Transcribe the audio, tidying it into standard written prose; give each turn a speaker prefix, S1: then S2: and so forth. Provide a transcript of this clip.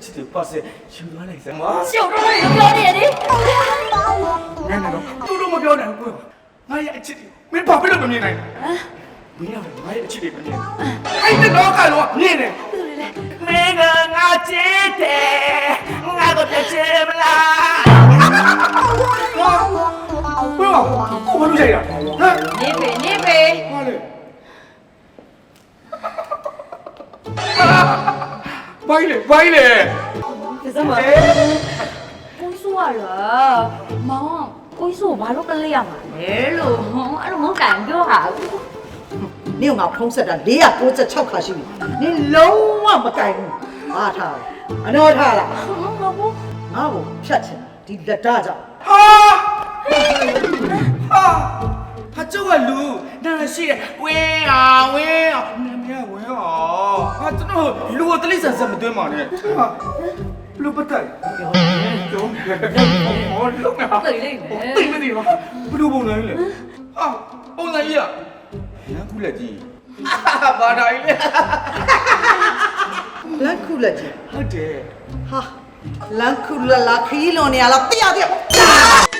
S1: ချစ်တယ်ပါစေယူသွားလိုက်စမ်းမ
S2: ရှုပ်တော့လည်းပြောနေတယ်လေ
S1: နန်းတော့သူတို့မပြောနိုင်ဘူးငါရဲ့အချစ်တွေမင်းဘာဖြစ်လို့မမြင်နိုင်လဲမင်းကငါရဲ့အချစ်တွေမမြင်အဲ့ဒီတော့ကတော့မြင်တယ်မင်းကငါချစ်တယ်ငါတော့ချစ်မလားဘယ်ကိုဘာလို့ကြိုက်တာဟမ်
S2: နေပေ
S1: ဟာလေဘိုင်းလေ
S2: ကစမ်းပါကိုဆိုးရလားမောင်ကိုဆိုးဘာလို့ကလေးရမှာလဲလို့အဲ့လိုမကန်ပြောဟာ
S3: နင့်ငါဖုံးဆက်တာ496ခါရှိပြီနင်လုံးဝမကင်ဘူးအားထားအနော်ထားလား
S2: မဟုတ်
S3: ငါ့ကိုဖြတ်ချင်ဒီလက်ဓာတ်ကြောင့်
S1: ဟာကျုပ်ကလူနာရှိတယ်ဝင်းအောင်နာမည်ကဝင်းအောင်ဟာကျွန်တော်လူကိုတလိဆန်ဆက်မသွင်းပါနဲ့ဟာလူပတ်တယ်ကျုံးဟောလုံငါ
S2: တယ်လေမယ်
S1: တိတ်မသိပါဘလူပုံစံကြီးလေဟာပုံစံကြီးอ่ะနန်းခုလက်ကြီးဘာသာကြီးလေ
S3: လန်ခုလက်ကြီး
S1: ဟုတ်တယ်
S3: ဟာလန်ခုလလာခီးလွန်နေရလားတရားတရား